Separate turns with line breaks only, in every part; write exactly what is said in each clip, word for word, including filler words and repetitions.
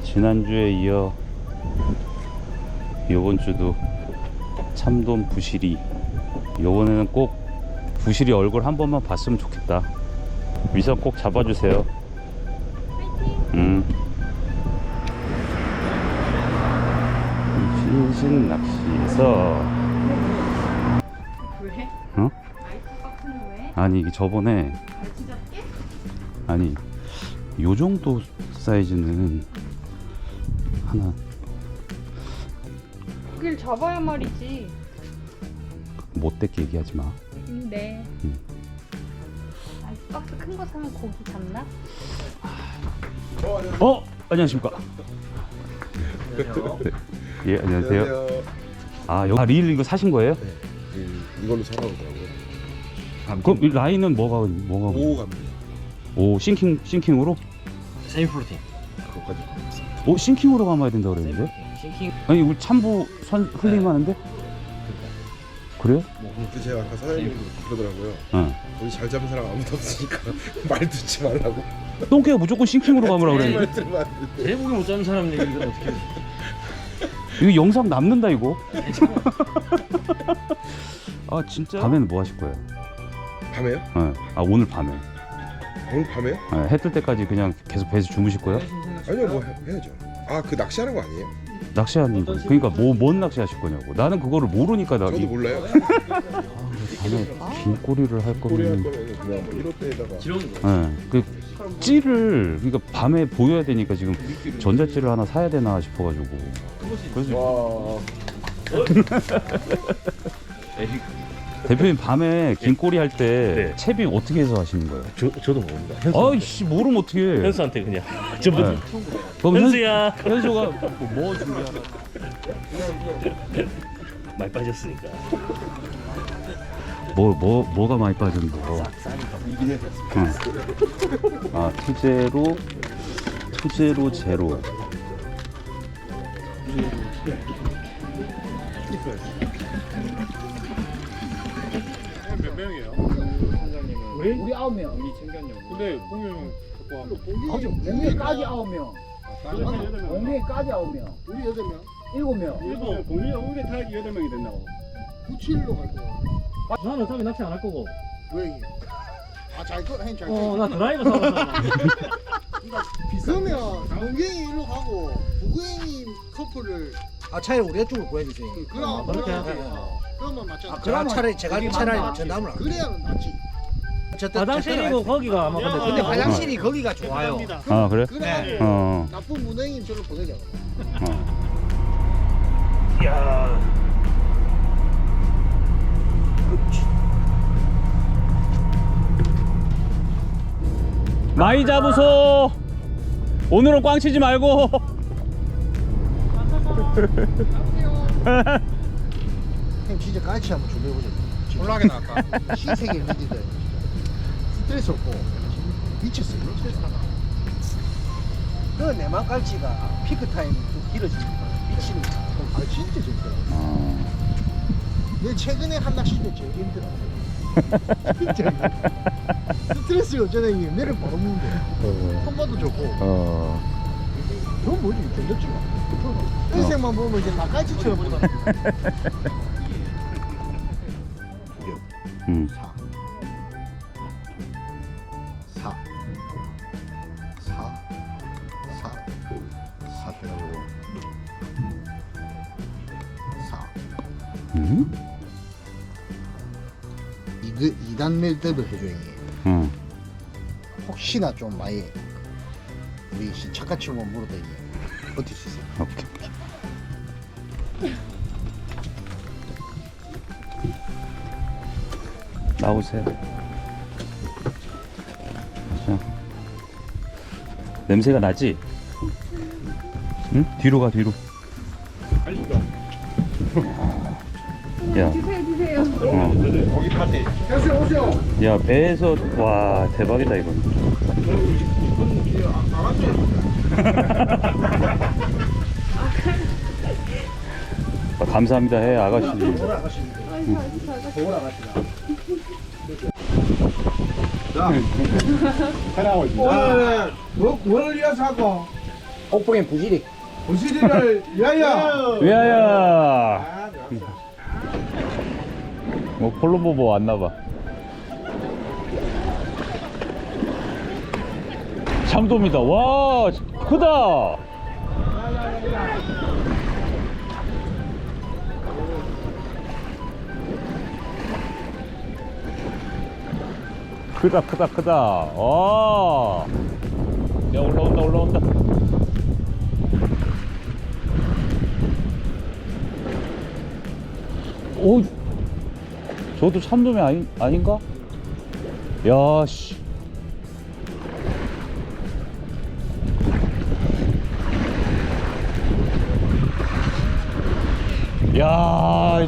지난주에 이어 요번 주도 참돔 부시리. 요번에는 꼭 부시리 얼굴 한 번만 봤으면 좋겠다. 위선 꼭 잡아주세요. 음. 신신 낚시에서
왜?
어?
아이스박스는 왜?
아니 이게 저번에
갈치 잡게?
아니 요 정도 사이즈는 하나
그길 잡아야 말이지.
못되게 얘기하지 마.
음, 네.
음.
아이스박스 큰 거 사면 고기 잡나?
어? 안녕하십니까? 네. 예, 안녕하세요.
안녕하세요.
아, 여기 아, 리일 이거 사신 거예요?
네, 이- 이걸로 사라고더라고요.
그럼 이 라인은 뭐가 뭐가
오 갑니다.
오, 싱킹 싱킹으로?
세미 프로틴.
그것까지.
오, 싱킹으로 감아야 된다 그랬는데?
싱킹.
아니, 우리 참부 선 흘리면 하는데? 그래요?
근데 제가 아까 사장님 그러더라고요.
응.
우리 잘 잡은 사람 아무도 없으니까 말 듣지 말라고.
똥개가 무조건 싱킹으로 감으라 그랬는데.
말 들으면 안 되는데.
제목이 못 잡는 사람 얘기를 어떻게 해?
이거 영상 남는다 이거. 아, 진짜? 밤에는 뭐 하실 거예요?
밤에요?
네. 아, 오늘 밤에.
오늘 밤에요?
네, 해 뜰 때까지 그냥 계속 배에서 주무실 거예요?
아니요, 뭐 해, 해야죠. 아, 그 낚시하는 거 아니에요?
낚시하는 거. 그러니까 뭐 뭔 낚시 하실 거냐고. 나는 그거를 모르니까 나
저도
이-
몰라요.
밤에 긴 꼬리를 할
꼬리 할
거면
거면 그냥 뭐 일 호대에다가
지렁이 거.
네. 그 찌를 그러니까 밤에 보여야 되니까 지금 전자찌를 하나 사야 되나 싶어가지고. 그래서
와.
대표님 밤에 긴 꼬리 할 때
네.
채비 어떻게 해서 하시는 거예요?
저 저도 모릅니다.
아이씨 모르면 어떻게 해?
현수한테 그냥. 전부
네. 그럼
현수야.
현, 현수가 뭐, 뭐 준비하나?
많이 빠졌으니까.
뭐, 뭐, 뭐가 많이 빠졌는데? 요 응. 아, 투제로, 투제로 제로.
몇 명이에요?
우리? 우리 아홉 명.
우리 챙겼냐고. 근데 공유 갖고 와.
거기 공명까지 아홉 명. 공명까지 아홉 명.
우리 여덟 명.
일곱 명.
일본 공유 우리 타기 여덟 명이 된다고.
구칠로 갈 거야.
나는 어차피 낚시 안 할 거고.
왜 이게? 아, 잘 거, 행 잘 거.
어, 나 드라이버 사봤어.
그러면 동경이 일로 가고 부경이 커플을
아 차라리 우리 쪽으로 보여주세요.
그럼
그렇게
그럼
하세요.
그러면 맞잖아.
그럼 차라리 제가 차라리 전담을 안.
그래야는 낫지.
화장실이고 거기가 아마 근데
근데 화장실이 거기가 좋아요.
아, 그래?
그래.
어.
나쁜 문행인 저로 보내자.
어.
야.
많이 잡으소. 오늘은 꽝 치지 말고.
형 진짜 깔치 한번 준비해보자. 졸라게 나왔다. 신세계 리드들. 스트레스 없고 미쳤어. 그 내만 깔치가 피크 타임이 좀 길어지니까 미치는 거야. 아 진짜 재밌더라.
어.
내 최근에 한 낚시 때 제일 힘들어. 진짜 스트레스가 어쩌다 이게 내를 바로 먹는데 손맛도 좋고
어.
그건 뭐지 견뎠지 마 인생만 보면 이제 다 깔치처럼 보다
음.
사 사 사 사 사 빼고 사
음?
이 단 매듭을 해줘야 해.
응.
혹시나 좀 많이 우리 착같이 뭐 물어도 이게 버틸 수 있어요.
오케이. 오케이. 나오세요. 자. 냄새가 나지? 응? 뒤로 가 뒤로. 야.
드세요 드세요.
어.
거기 파티.
야, 배에서 와 대박이다 이건. 아, 감사합니다 해 아가씨.
해나고 있습니다.
오늘 뭐, 뭘 위해서 하고?
옥봉의 부지리. 부지리를 위하여.
위하여. 뭐 콜롬보 왔나봐. 참돔이다. 와, 크다. 크다 크다 크다. 와, 야 올라온다 올라온다. 오, 저도 참돔이 아니, 아닌가? 야, 씨. 야.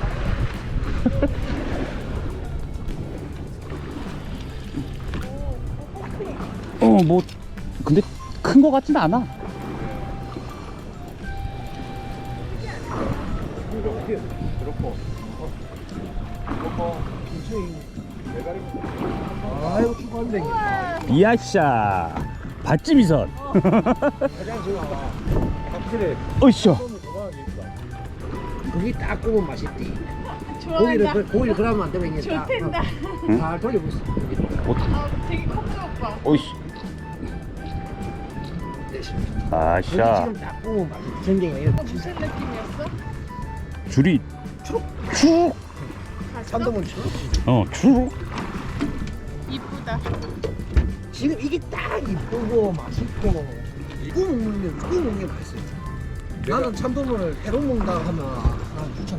어, 뭐, 근데 큰 거 같진 않아.
아이고 축구한대.
이야샤. 밭지미선.
확실히
어이쇼.
고기 딱 구우면 맛있디.
좋아한다.
고기를 그- 고기를 그러면 안 되면 이게 딱
좋댄다.
어, 잘 돌리고 있어.
아, 되게 컸다 오빠.
어이씨.
고기
아샤.
지금 딱 구우면 맛있지. 전쟁이 이렇게
무슨 느낌이었어?
줄이 쭉.
참돔은 쳐.
어, 쭉.
이쁘다.
지금 이게 딱 이쁘고 맛있고 구워 먹는 게 구워 먹는 게 맛있어요. 나는 참돔을 회로 먹는다 하면 난 추천해.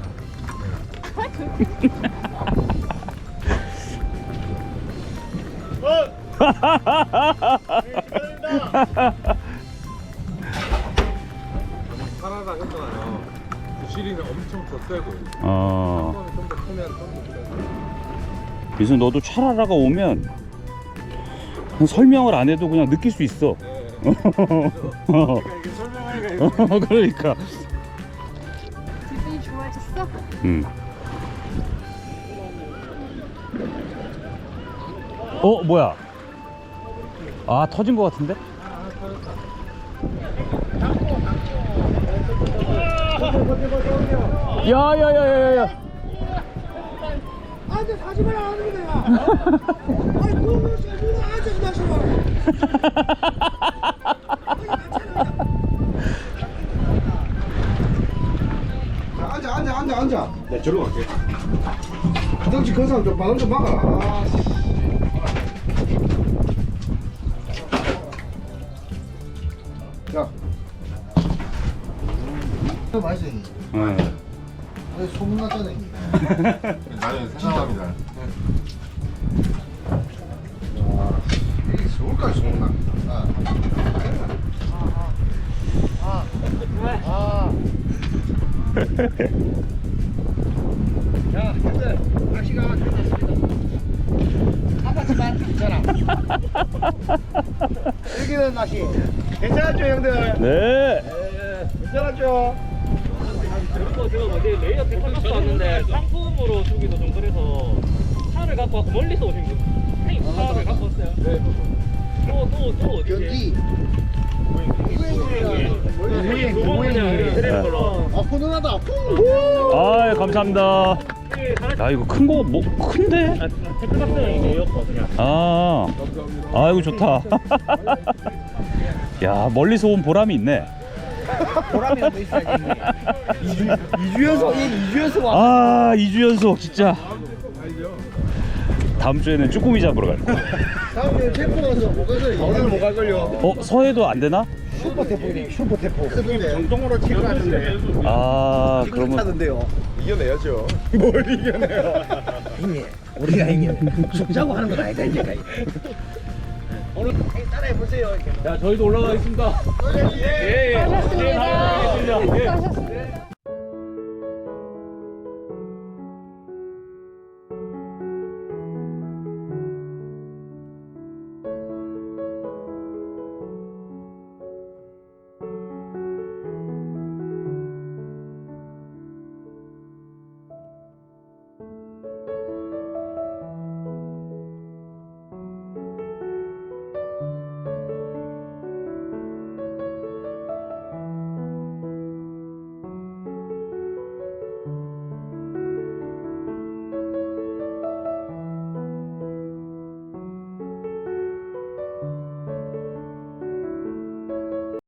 카라라 했잖아요. 부시리는 엄청 더 세고
어.
좀 더 크면 좀더 세고.
그래서 너도 차라라가 오면 그냥 설명을 안 해도 그냥 느낄 수 있어. 어.
이게 설명하기가 이거
어, 그러니까.
기분이 좋아졌어?
음. 어, 뭐야? 아, 터진 것 같은데? 야야야야야야.
아저 사지 마라 하는 거야. 아니 그거 누가 아저씨 마셔. 앉아 앉아 앉아 앉아.
네, 저로 갈게.
화장실 그 사람 좀 바람 좀 막아라. 아, 씨. 자. 이거 맛있어. 이.
네.
왜 소문났잖아. 이.
나는 생각합니다.
이게 서울까지 소문납니다. 아. 아. 아. 자, 형들 낚시가 끝났습니다. 아팠지만 괜찮아. 여기는 낚시 괜찮았죠, 형들?
네.
괜찮았죠?
그리고 제가 뭐 내일 레이어 테크닉스 왔는데 상품으로 주기도 좀 그래서 차를 갖고 와서 멀리서 오신 분. 형님 차를 갖고 왔어요? 네. 또또또 어디?
견디.
모양 모양 드리는 걸로.
아, 훈훈하다.
아, 감사합니다. 야, 이거 큰 거 뭐 큰데?
테크닉스는 이거였고 그냥.
아. 아이고 좋다. 야, 멀리서 온 보람이 있네.
보람이 또 있어야지. 이주 연속, 이주 연속 와.
아, 이 주 연속 진짜. 다음 주에는 쭈꾸미 잡으러 갈 거야.
다음에 태포 가서 못 가서 오늘 못 갈걸요.
어, 서해도 안 되나?
슈퍼 태포네, 슈퍼 태포. 정동으로 치고 가는데.
아, 그러면
타던데요.
이겨내야죠.
뭘 이겨내요? 형님, 우리가 형님 숙자고 하는 건 아니다 이제. 오늘 따라해 보세요.
자, 저희도 올라가겠습니다. 예, 예.
수고하셨습니다.
예, 예.
수고하셨습니다.